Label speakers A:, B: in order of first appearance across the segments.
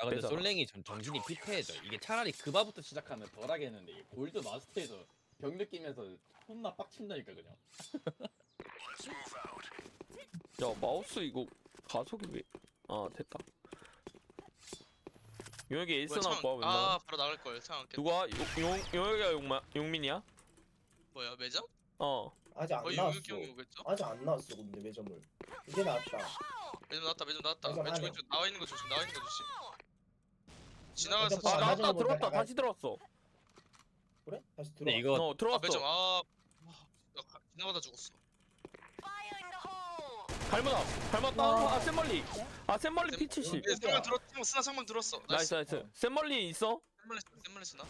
A: 근데
B: 되잖아.
A: 솔랭이 정신이 피폐해져. 이게 차라리 그바부터 시작하면 덜 하겠는데 이게 골드 마스터에서 병 느끼면서 혼나 빡친다니까 그냥.
B: 야 마우스 이거 가속이 왜? 아 됐다. 용혁이 에이스
C: 뭐야,
B: 나올 거야
C: 창.
B: 웬만하면.
C: 바로 나갈 걸. 창.
B: 누가? 용혁이야 용민이야?
C: 뭐야, 매점?
B: 어.
D: 아직 안
C: 거의
D: 나왔어.
C: 용혁이 형이 오겠죠?
D: 아직 안 나왔어 근데 매점을. 이제 나왔다.
C: 매점 나왔다. 매점 나왔다.
D: 매점
C: 왼쪽
D: 안에.
C: 왼쪽 나와 있는 거 조심. 나와 있는 거 조심. 지나가서
D: 매점
B: 아
D: 안
C: 지나.
D: 맞은
B: 나왔다
D: 거 보니까
B: 들어왔다
D: 나가-
B: 다시 들어왔어.
D: 그래? 다시 들어.
A: 근데 이거
B: 어 들어왔어.
C: 매점. 나 지나가다 죽었어.
B: 닮았다. 아 샘멀리. 아 샘멀리 P70.
C: 상방 들었. 스나 상방 들었어.
B: 나이스 나이스. 샘멀리 있어?
C: 샘멀리 스나.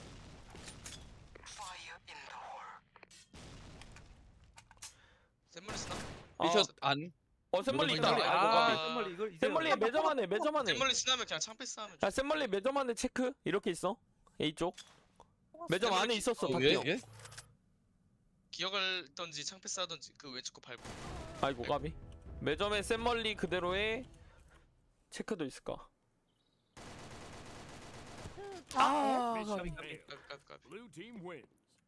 C: 샘멀리 스나.
A: 미션 안.
B: 샘멀리
A: 누르면
B: 있다.
A: 샘멀리.
B: 아이고
C: 아,
B: 가비.
E: 샘멀리 이걸 이제
B: 샘멀리 매점 안에 매점 안에.
C: 샘멀리 스나면 그냥 창패스 하면
B: 야 샘멀리 매점 안에 체크 이렇게 있어. A 쪽. 매점 안에 있었어.
C: 어,
B: 박기
A: 왜?
B: 형.
A: 예?
C: 기어갈던지 창패스 하던지 그 왼쪽 거 밟고.
B: 아이고 가비. 매점에 샘멀리 그대로의 체크도 있을까? 아 가비.
C: 까비.
F: Blue team wins.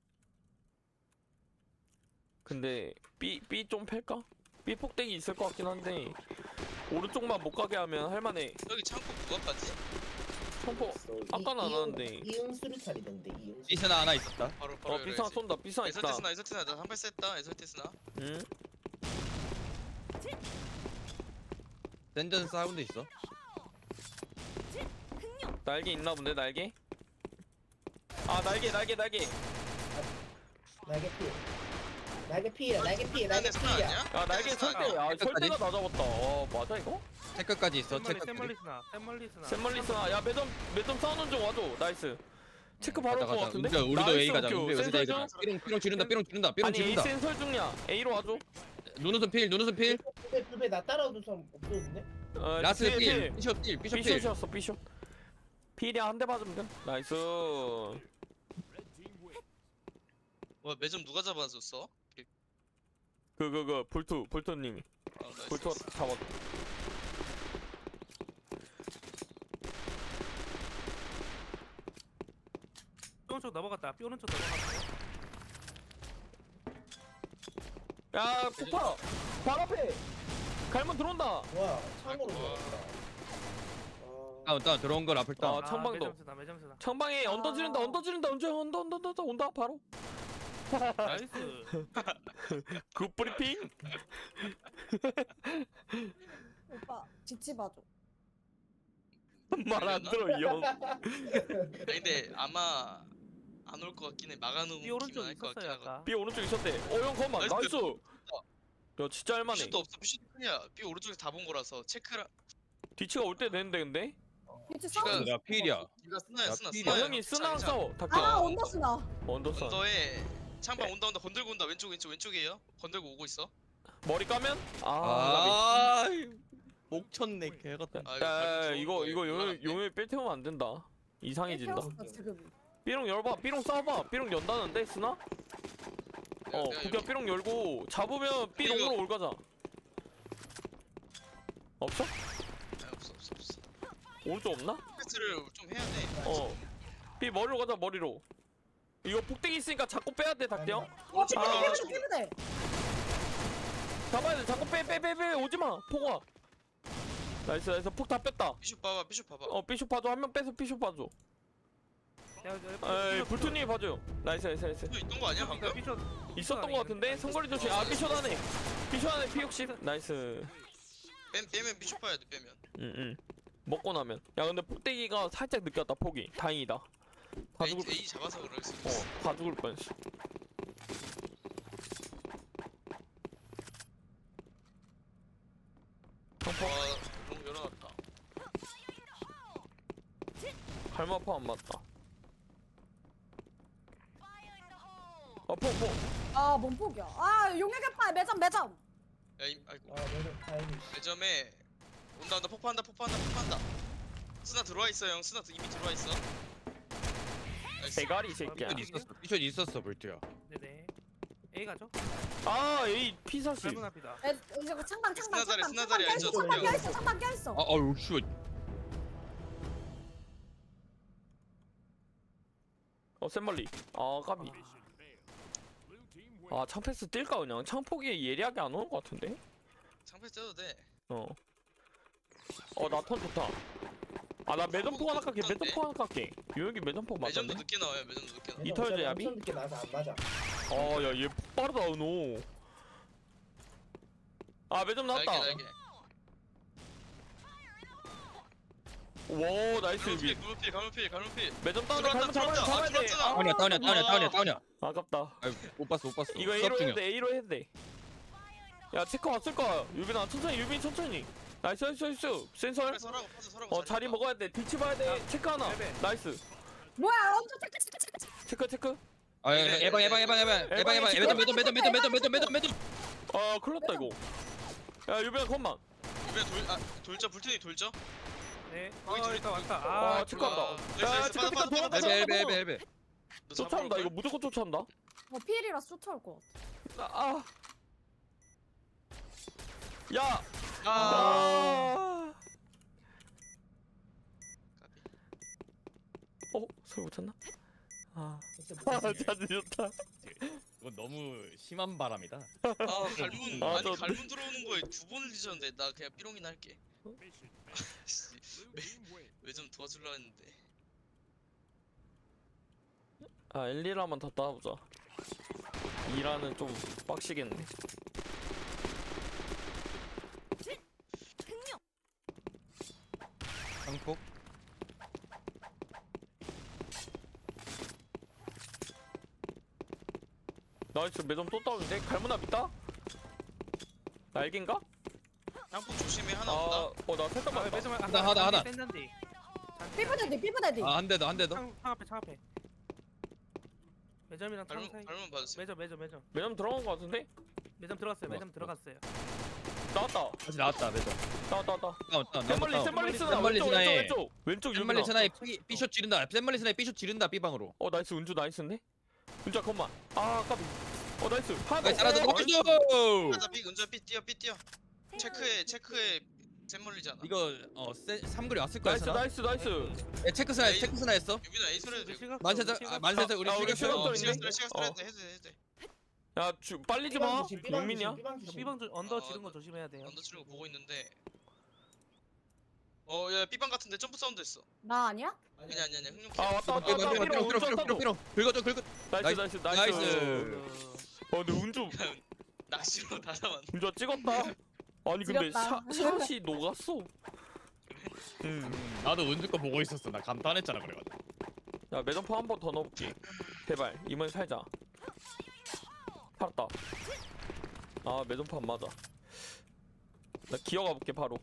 B: 근데 B 좀 팰까? B 폭대기 있을 것 같긴 한데 오른쪽만 못 가게 하면 할만해.
C: 여기 창고 누가 빠지?
B: 청포 아까는 안 하는데.
D: 이응 수류탄이던데 이응.
A: 미션 하나 있었다.
C: 바로
B: 비상 쏜다. 비상 있다.
C: 에설티 스나 나 한발 쐈다. 에설티 스나.
B: 응?
A: 샌전 사운드 있어.
B: 날개 있나 본데 날개? 아 날개.
D: 날개 피. 날개 피야. 날개 피. 날개
C: 스나
D: 피야.
C: 아니야?
B: 야 날개 설대. 야 설대가 나 잡았다. 맞아 이거?
A: 체크까지 있어.
E: 샘멀리
A: 체크까지.
E: 샘멀리 스나
B: 샘멀리스나. 야 매점 싸우는 중 와줘. 나이스. 체크 바로
A: 가자
B: 올것
A: 가자.
B: 같은데?
A: 우리도
B: 나이스,
A: A 가자.
B: 오케이.
A: 우리도
B: 센서
A: A
B: 중?
A: 가자. 삐롱 지른다. 삐롱
B: 아니 A
A: 지른다.
B: 센설 중이야. A로 와줘.
A: 눈웃음 필.
D: 두배 나 따라오는 사람 없었는데?
A: 라스
B: 뒤에, 뒤에.
A: 필. 피셔 필.
B: B숏이었어 B숏. 필이야 한 대 맞으면 돼. 나이스.
F: Red team wins.
C: 뭐 매점 누가 잡아줬어?
B: 불투님이.
C: 나이스.
B: 불투가 잡았.
E: 삐 오른쪽 넘어갔다 삐 오른쪽 넘어갔다
B: 야 폭파. 바로 앞에. 갈문 들어온다.
D: 와 창으로
C: 아이고.
D: 들어왔다.
A: 다운 들어온 건 앞을 따.
B: 아, 청방도.
E: 매점 스나
B: 창방에 언더 지른다. 언더 온다 바로.
E: 나이스
B: 굿 브리핑.
G: 오빠 지치 봐줘.
B: 말 안 들어 이 형.
C: 아니, 근데 아마 안 올 것 같긴 해. 막아놓은
E: 삐 오른쪽
C: 기만 할것 같긴
E: 있었어요
C: 하거든.
E: 아까
B: B 오른쪽 있었대. 형 컴만
C: 나이스.
B: 나이스. 야 진짜 할만해.
C: 피슛도 없어. 피슛 크냐? 삐 오른쪽에 다 본 거라서 체크랑.
B: 뒤치가 올 때 되는데 근데.
G: 지치
C: 지가-
G: 싸워.
A: 야 필이야.
C: 네가 스나야
A: 야,
C: 스나.
A: 필이야.
B: 아 형이 쓰나랑 싸워. 닭
G: 아
B: 아
G: 언더스나.
B: 언더스.
C: 언더에 창방 온다 건들고 온다. 왼쪽이에요. 건들고 오고 있어.
B: 머리 까면?
A: 아. 목 쳤네 개 같은.
C: 아,
B: 야 이거
C: 좋은데. 올라갔네.
B: 용을 뺄 태우면 안 된다. 이상해진다.
G: 태웠어, 지금.
B: 삐롱 열봐. 삐롱 싸워봐. 삐롱 연다는데 쓰나? 그냥 삐롱 열고 잡으면 삐롱으로 올 가자. 없어?
C: 없어.
B: 오른쪽 없나?
C: 패스를 좀 해야 돼.
B: 어. 삐 머리로 가자 머리로. 이거 폭대기 있으니까 자꾸 빼야 돼 닭대 형.
G: 어 피부대
B: 아,
G: 피부대 피부대.
B: 잡아야 돼. 자꾸 빼 오지 마. 폭아. 나이스. 폭 다 뺐다.
C: 피슛 봐봐.
B: 삐쇼 봐줘. 한 명 빼서 삐쇼 봐줘. 에이 불투님이 봐줘요. 나이스.
C: 또 있던 거 아니야 방금?
E: 삐쇼
B: 있었던 거 같은데 성거리 조심. 삐쇼 안에 P60. 나이스.
C: 빼면 피슛 봐야 돼. 빼면.
B: 응. 먹고 나면. 야 근데 폭대기가 살짝 느꼈다 폭이. 다행이다. 다 죽을.
C: A 잡아서 그럴 수 있어.
B: 다 죽을 뻔했어.
C: 와, 너무 열어놨다.
B: 갈마파 안 맞다. 폭.
G: 아 몸폭이야. 아 용역의 팔 매점.
C: 아이고.
D: 아 매점 다행히.
C: 매점에 온다 폭파한다. 스나 들어와 있어 형. 스나 이미 들어와 있어. 나이스.
B: 대가리 이 새끼야.
A: 피셔 있었어 불트야.
E: 네네 A 가죠?
B: 아 에이 P40.
E: 짧은 앞이다
G: 이거 창방
C: 스나다리
G: 껴있어.
C: 알죠?
G: 창방 껴있어.
A: 아 아유 씨.
B: 센멀리. 아 까비.
F: Mission failed. Blue team wins.
B: 아 창패스 뛸까 그냥. 창폭이 예리하게 안 오는 것 같은데.
C: 창패 쪄도 돼.
B: 나 턴 좋다. 아 나 매점포 하나 깎게. 매점포 하나 깎게. 요영이 매점포 맞았네.
C: 매점도 늦게 나와요. 매점도 늦게 나와.
B: 이 털
D: 어차피
B: 야비?
D: 엄청 늦게 나서 안 맞아.
B: 아야얘 빠르다 은호. 아 매점 나왔다.
C: 날개.
B: 와 나이스 유비.
C: 가물필.
B: 매점 다운돼.
C: 들어왔다,
B: 갈문 잡아야 돼.
C: 들어왔잖아.
A: 다운이야.
B: 아깝다.
A: 아유 못 봤어.
B: 이거 A로 해야 돼. A로 해야 돼. 야 체크 왔을 거야. 유빈아 천천히. 유빈 천천히. 나이스. 센설.
C: 서라고
B: 자리 먹어야 돼. 뒤치 봐야 돼. 체크 하나.
E: 네.
B: 나이스.
G: 뭐야 엄청
B: 체크.
A: 아 예방. 매점.
B: 아 큰일 났다 이거. 야 유빈아 컴만.
C: 돌자 불튼이 돌자.
E: 네.
C: 거기 둘이
E: 일단 왔다.
B: 아 체크 왔다. 야 체크 돌아가.
A: 엘베.
B: 쫓아온다 이거 무조건 쫓아온다.
G: 필이라 쫓아올 것 같아.
B: 야. 소리 못 쳤나? 자주 좋다.
A: 이건 너무 심한 바람이다.
C: 갈문
B: 아,
C: 아니
B: 저-
C: 갈문 들어오는 거에 2번을 뒤졌는데 나 그냥 삐롱이나 할게.
F: Mission failed. Blue team wins.
C: 왜 좀 도와주려 했는데.
B: 1,2라만 더 따보자. 2라는 좀 빡시겠네.
A: 강폭.
B: 나이스 매점 또 따오는데? 갈무나 믿다? 날개인가?
C: 양폭 조심해 하나 온다.
B: 나 살짝 맞다.
E: 매점
A: 하나.
E: 샌단디.
G: 삐부대디.
A: 한 대 더.
E: 창 앞에. 매점이랑 창 사이.
C: 갈문 봐주세요.
E: 매점.
B: 매점 들어간 거 같은데?
E: 매점 들어갔어요. 매점 들어갔어요.
B: 나왔다.
A: 다시 나왔다 매점.
B: 나왔다.
A: 다운.
B: 센멀리 쓰나?
A: 샌멀리 스나에.
B: 왼쪽
A: 샌멀리
B: 유빈아.
A: 스나에 B숏 지른다. 샌멀리 스나에 B숏 지른다 B방으로.
B: 나이스 은주 나이스인데? 은주야 컴만. 까비. 나이스. 하나
A: 나이스
B: 더.
A: 하나 더 먹어줘.
C: 하나 삐 은자 삐 뛰어. 체크에 샘물리잖아.
A: 이거 삼거리 왔을 거야.
B: 나이스.
A: 체크 스나 했어.
C: 유빈아 에이스로 해도 돼.
A: 만세서 우리
B: 우리
A: 죽였어.
B: 시간
C: 시간 해도 돼.
B: 야 빨리 좀 와. 용민이야?
E: B방 언더 지른 거 조심해야 돼요.
C: 언더 치는 거 보고 있는데. 야 B방 같은데 점프 사운드 했어.
G: 나 아니야?
C: 아니야. 흥룡
B: 왔다.
A: 긁어.
B: 나이스.
A: 나이스.
B: 근데 은주
C: 낚시로 다 잡았네.
B: 은주야 찍었다. 아니 근데
G: 지렸다.
B: 샷이 녹았어.
A: 나도 은주 거 보고 있었어. 나 감탄했잖아 그래가지고.
B: 야 매점포 한 번 더 넣어볼게. 제발 이번에 살자. 살았다. 매점포 안 맞아. 나 기어가 볼게 바로.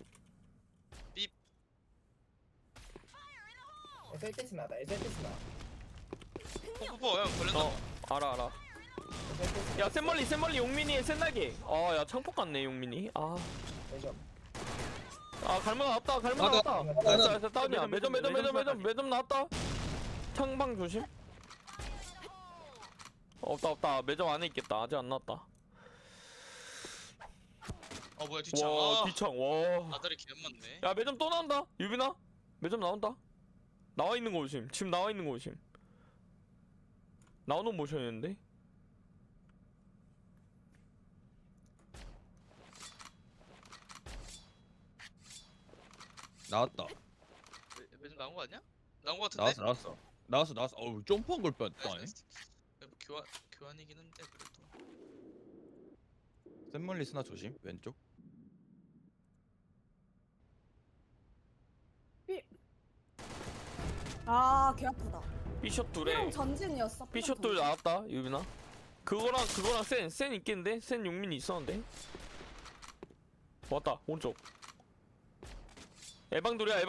D: SLT스 나다. SLT스 나.
C: 포포 형 걸렸나?
B: 알아. 야 샘멀리 용민이의 센날개. 야 창폭 같네 용민이.
D: 매점.
B: 갈문 나왔다.
A: 나왔다.
B: 나이스 다운이야. 매점 나왔다. 창방 조심. 없다. 매점 안에 있겠다. 아직 안 나왔다.
C: 뭐야 뒷창.
B: 와 뒤창. 와.
C: 아다리 개 맞네.
B: 야 매점 또 나온다. 유빈아. 매점 나온다. 나와 있는 거 조심. 지금 나와 있는 거 조심. 나오는 모션이었는데.
A: 나왔다.
C: 매점 나온 거 아니야? 나온 거 같은데?
A: 나왔어. 어우 점프한 걸 뺐다.
C: 교환이긴 한데 그래도.
A: 샌멀리 스나 조심. 왼쪽.
G: 개 아프다.
B: B숏 둘에.
G: 삐롱 전진이었어.
B: B숏 둘 나왔다. 유빈아. 그거랑 센 있겠는데? 센 용민이 있었는데. 왔다. 오른쪽. 에방돌이야.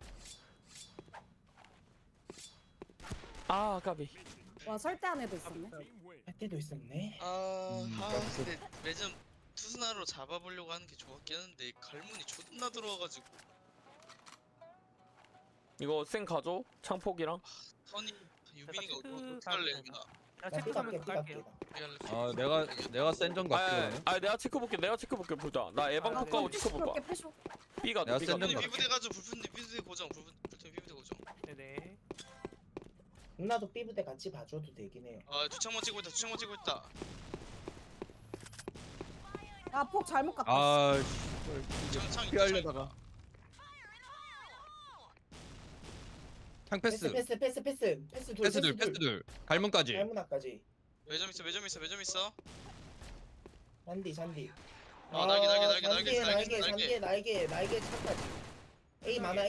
B: 까비.
G: 와 설대 안에도 있었네.
F: Team wins.
D: 할 때도 있었네.
C: 근데 매점 투스나로 잡아보려고 하는 게 좋았긴 한데 갈문이 존나 들어와가지고
B: 이거 센 가져. 창폭이랑.
C: 턴이 유빈이가
E: 체크
C: 어떻게 할래
E: 가면
C: 유빈아?
E: 야
D: 나
E: 체크 가면서
D: 삐갈게.
E: 갈게요.
A: 내가 센전 같거든.
B: 내가 체크볼게 보자. 나 에방 폭 가고 체크볼까. B가
A: 내가 센
C: 불fun이
A: 점
C: 비부대 가지고 불fun이 비부대 고정 불fun이 비부대 고정.
E: 네네.
D: 누나도 삐부대 같이 봐줘도 되긴 해요.
C: 주창만 찍고 있다. 주창만 찍고 있다.
G: 야폭 잘못 갔다.
H: 아
C: 창 있다.
H: 피하려다가 창 패스
D: 패스
H: 패스들 패스들 갈문까지
D: 갈문아까지.
C: 매점 있어.
D: 잔디.
C: 날개.
D: 날개 차까지. A 많아.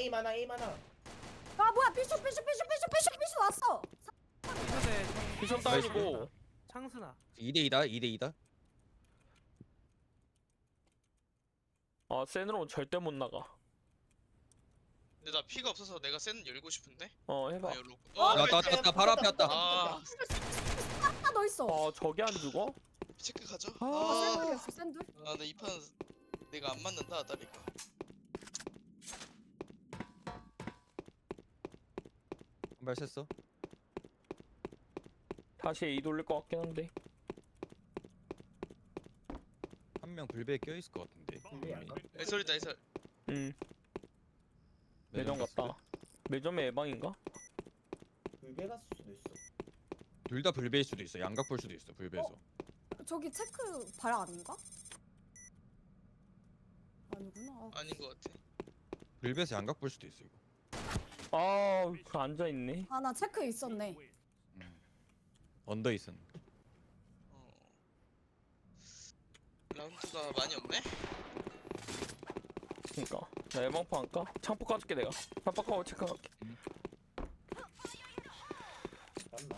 G: 아 뭐야 삐쇼 왔어.
E: 삐부대
B: 비션 다운이고.
E: 창스나.
H: 2대2다
B: 아 센으로 절대 못 나가.
C: 근데 나 피가 없어서 내가 센 열고 싶은데.
B: 해봐.
C: 열로.
H: 왔다 바로 앞에 왔다
C: 아,
G: 하나 더 있어.
B: 아 저게 안 죽어?
C: 체크 가자.
G: 샌들이었어 샌들.
C: 근데 이 판 내가 안 맞는다 다리가.
H: 한발 셌어
B: 다시 A 돌릴 것 같긴 한데.
H: 한 명 불배에 껴있을 것 같은데
D: 불배 안 가?
C: 애설이다 애설.
B: 매점 갔다. 매점의 예방인가?
D: 불배 갔을 수도 있어.
H: 둘 다 불배일 수도 있어 양각 볼 수도 있어 불배에서
G: 저기 체크 발 아닌가? 아니구나.
C: 아닌 것 같아.
H: 불배에서 양각 볼 수도 있어 이거
B: 그 앉아 있네.
G: 아 나 체크 있었네.
H: 언더 있었네
C: 라운드가 많이 없네.
B: 그니까 나 예방포 할까? 창포 까줄게 내가. 깜빡하고 체크할게.
D: 잠깐만.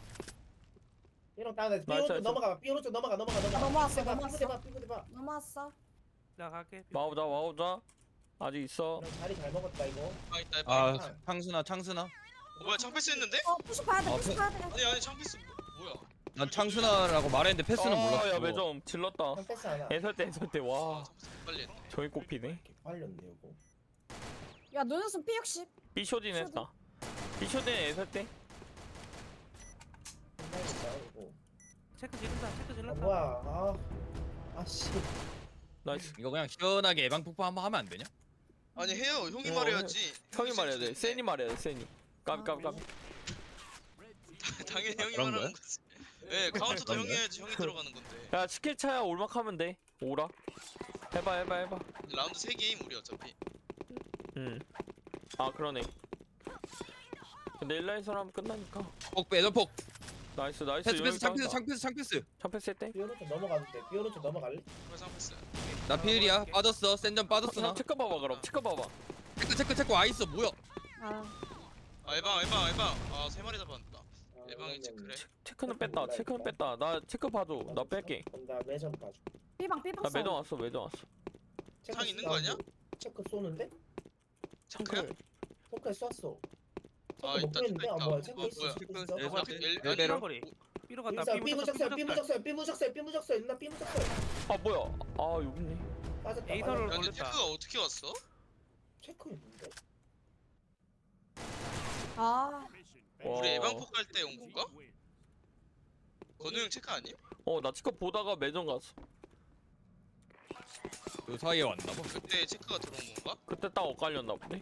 D: 삐롱 따라.
B: 나이스,
D: 삐오른쪽
B: 나이스.
D: 넘어가. 삐오른쪽 넘어가.
G: 넘어왔어.
D: 삐부대 봐.
G: 넘어왔어.
E: 나 갈게.
B: 와우자. 아직 있어.
D: 형 자리 잘 먹었다 이거.
C: 방 있다.
H: 아 창순아
C: 뭐야 창패스 했는데?
G: 푸시 봐야 돼. 푸시 봐야 돼.
C: 아니 창패스 뭐야?
H: 난 창순아라고 말했는데 패스는 몰랐어
B: 야 매점 질렀다.
D: 형 패스 하나.
B: 애설 때 와.
C: 창패스 빨리 했네.
B: 저기 꼽히네.
D: 빨렸네 이거.
G: 야 눈웃음 P60.
B: B쇼딘 했다. B쇼딘 애설 때.
D: 끝나겠다 이거.
E: 체크 지른다. 체크
D: 아
E: 질렀다.
D: 뭐야. 아씨.
B: 나이스.
H: 이거 그냥 시원하게 예방 폭파 한번 하면 안 되냐?
C: 아니 해요. 형이
B: 어,
C: 말해야지.
B: 형이 말해야 돼. 센이 말해야 돼. 센이. 까비.
C: 당연히 형이
H: 그런
C: 말하는 거지. 네 카운터도
H: 그런
C: 형이
H: 거야?
C: 해야지. 형이 들어가는 건데.
B: 야 스킬 차야 올막하면 돼. 오라. 해봐.
C: 라운드 3게임 우리 어차피.
B: 아 그러네. 근데 1라인선 하면 끝나니까.
H: 폭 빼줘 폭
B: 나이스.
H: 패스 창패스
B: 창패스 했대.
D: 삐오른쪽 넘어가도 돼. 삐오른쪽 넘어갈래?
C: 그래 창패스.
H: 나 피일이야 빠졌어 센점 빠졌어 나
B: 체크 봐봐 그럼. 체크 봐봐.
H: 체크 와있어 뭐야
G: 아
C: 알방. 아 3마리 잡았다. 예방이 체크래.
B: 체크는 뺐다. 나 체크 봐줘. 나 뺄게.
D: 그럼 나 매점 봐줘.
G: 삐방
B: 나 매점 왔어.
D: 체크
C: 창 있는 거 아니야?
D: 체크 쏘는데?
C: 체크야?
D: 포크에 쐈어.
C: 아
D: 체크
C: 있다.
D: 못 보이는데? 아 뭐야 체크
C: 뭐야?
D: 있어. 체크 있어.
H: 체크
C: 엘-
H: 레벨.
C: 아니,
E: 거리. 삐로 갔다.
D: 삐무적설 누나 삐무적설.
B: 아 뭐야? 아 여기 있네.
D: 빠졌다.
E: 에이서를
C: 야, 근데
E: 걸렸다.
C: 체크가 어떻게 왔어?
D: 체크 있는데?
G: 아
B: 와.
C: 우리 예방폭 갈 때 온 건가? 건우 형 체크 아님?
B: 나 체크 보다가 매점 갔어.
H: 그 사이에 왔나 봐
C: 그때 체크가 들어온 건가?
B: 그때 딱 엇갈렸나 보네.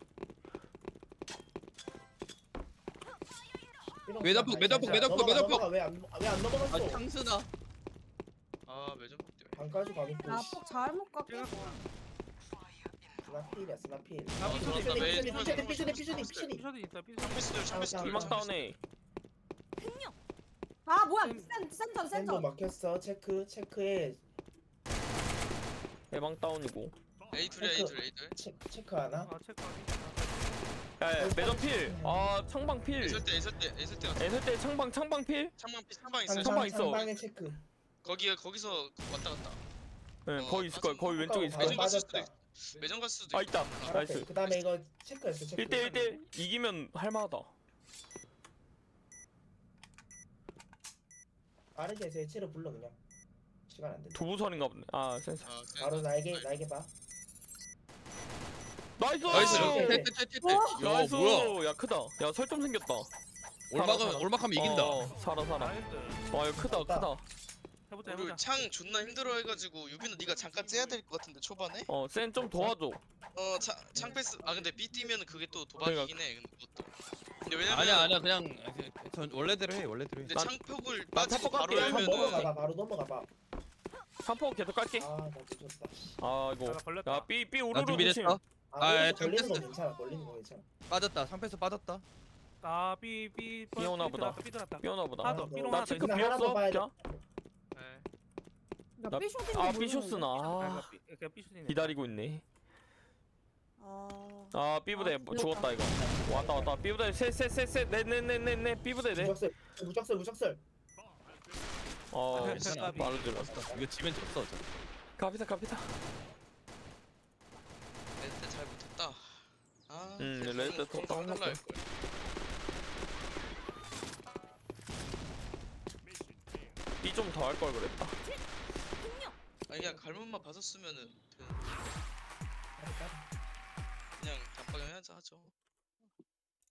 H: 매점폭.
D: 왜안 넘어갔어?
H: 아 창순아
C: 아 매점폭 때문에.
D: 반까지 가겠고.
G: 나폭 잘못 갔고.
D: 스나필이야 스나필.
E: 아,
D: 피쇼니.
E: 삐쇼딘 있다. 삐쇼딘.
C: 창패스들 창패스들.
B: 일막 다운해.
G: 아 뭐야
D: 센도
G: 센전.
D: 막혔어. 체크에
B: 예방 다운이고.
C: A2야.
D: 체크 하나.
E: 아 체크.
B: 야 매점 필. 아 창방 필.
C: 애설 때 왔어.
B: 애설 때 창방 필.
C: 창방 있어요.
B: 상방 있어.
D: 상방에 체크.
C: 거기서 왔다 갔다.
B: 네 거기 있을 거야. 거기 왼쪽에 있을 거야.
C: 매점 갔을 수도
D: 빠졌다.
C: 있어. 매점 갔을 수도
B: 아
C: 있어.
B: 있다. 나이스.
D: 그 다음에 이거 체크했어. 체크.
B: 1대1 이기면 할만하다.
D: 빠르게 해서 해체로 불러 그냥. 시간 안 된다.
B: 두부선인가 보네. 아 센스.
D: 바로 나에게 봐.
B: 나이스.
H: 나이스
D: 어?
H: 야
B: 나이스.
H: 뭐야
B: 야 크다. 야 설정 생겼다.
H: 올막하면 이긴다
B: 살아.
E: 나이스.
B: 와 이거 크다.
E: 해보자.
C: 우리 창 존나 힘들어해가지고 유빈은 네가 잠깐 째야 될 것 같은데 초반에?
B: 센 좀 도와줘.
C: 창패스. 아 근데 B 뛰면은 그게 또 도박이긴 해. 근데 그것도. 근데 왜냐면
H: 아니야 그냥 전 원래대로 해 원래대로 해.
C: 근데
B: 난-
C: 창폭을
B: 난
C: 빠지고
B: 창폭
C: 바로
B: 갈게.
D: 한번
C: 열면은
D: 넘어가봐 바로 넘어가봐.
B: 상포 계속 깔게.
D: 아나 늦었다. 씨.
B: 아 이거.
E: 나 걸렸다.
B: 야 삐
H: 나
B: 우르르 조심.
H: 준비됐어. 아,
D: 오른쪽 걸리는 거
H: 됐어.
D: 괜찮아. 걸리는 거 괜찮아.
H: 빠졌다. 상패스 빠졌다.
E: 아, 삐
B: 삐오나 보다.
E: 삐들었다.
B: 삐오나 보다.
E: 하나 더, 삐롱
B: 나
E: 하나 더
B: 체크
E: 있어.
D: 하나 더
B: 비었어.
D: 봐야 돼.
B: 그냥.
C: 네.
G: 나 삐쇼딘지
B: 아
G: 모르는데.
B: 삐쇼스나.
E: 아, 그냥 삐쇼딘.
B: 기다리고 있네.
G: 아.
B: 아 삐부대
G: 아,
B: 죽었다 이거. 왔다. 삐부대 셋 네네네네 삐부대 네.
D: 무적설.
B: 어
H: 괜찮아.
B: 바로 들었어.
H: 이거 지면 졌어. 어차피.
B: 갑니다.
C: 레드 잘 못했다. 아,
B: 레드 더
C: 달라
B: 빨랐어.
C: 할 걸.
B: 삐 좀 더 할 걸 그랬다.
C: 아니 그냥 갈문만 봐줬으면은 되는데. 그냥 단방향 해야지 하죠.